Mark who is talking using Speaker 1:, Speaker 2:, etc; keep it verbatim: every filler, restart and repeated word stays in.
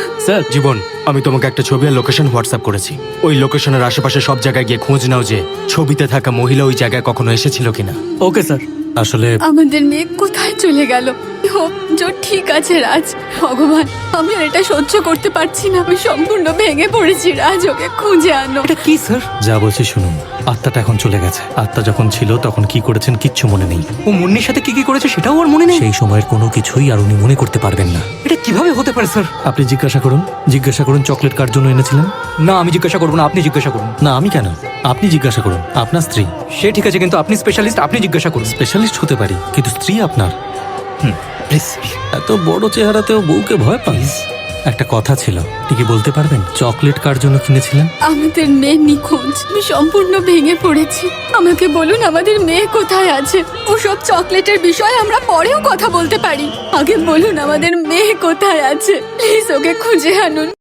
Speaker 1: Sir জীবন, আমি তোমাকে একটা ছবি আর লোকেশন হোয়াটসঅ্যাপ করেছি। ওই লোকেশনের আশেপাশে সব জায়গায় গিয়ে খোঁজ নাও যে ছবিতে থাকা মহিলা ওই জায়গায় কখনো এসেছিল কিনা।
Speaker 2: Okay sir.
Speaker 1: আসলে
Speaker 3: আমাদের মেয়ে কোথায় চলে গেল? হোপ জো ঠিক আছে রাজ। ভগবান, আমি আর এটা সহ্য করতে পারছি না। আমি সম্পূর্ণ ভেঙে পড়েছি রাজ, ওকে খুঁজে আনো।
Speaker 2: এটা কি স্যার?
Speaker 4: যা বলছি শুনুন, আত্মাটা এখন চলে গেছে। আত্মা যখন ছিল তখন কি করেছেন কিচ্ছু মনে নেই।
Speaker 2: ও মুন্নির সাথে কি কি করেছে সেটাও ওর মনে নেই।
Speaker 4: সেই সময়ের কোনো কিছুই আর উনি মনে করতে পারবেন না।
Speaker 2: এটা কিভাবে হতে পারে স্যার?
Speaker 4: আপনি জিজ্ঞাসা করুন, জিজ্ঞাসা করুন চকলেট কার জন্য এনেছিলেন।
Speaker 2: না, আমি জিজ্ঞাসা করবো না, আপনি জিজ্ঞাসা করুন।
Speaker 4: না আমি কেন, আপনি জিজ্ঞাসা করুন, আপনার স্ত্রী।
Speaker 2: সে ঠিক আছে, কিন্তু আপনি স্পেশালিস্ট, আপনি জিজ্ঞাসা করুন।
Speaker 4: স্পেশালিস্ট হতে পারি কিন্তু স্ত্রী আপনার।
Speaker 2: প্লিজ।
Speaker 4: এত বড় চেহারাতেও বউকে ভয় পান? একটা কথা ছিল, আপনি কি বলতে পারবেন চকলেট কার জন্য কিনেছিলেন?
Speaker 3: আমাদের মেয়ে নিখোঁজ। আমি সম্পূর্ণ ভেঙে পড়েছি। আমাকে বলুন আমাদের মেয়ে কোথায় আছে? ওসব চকলেটের বিষয়ে আমরা পরেও কথা বলতে পারি। আগে বলুন আমাদের মেয়ে কোথায় আছে, প্লিজ ওকে খুঁজে আনুন।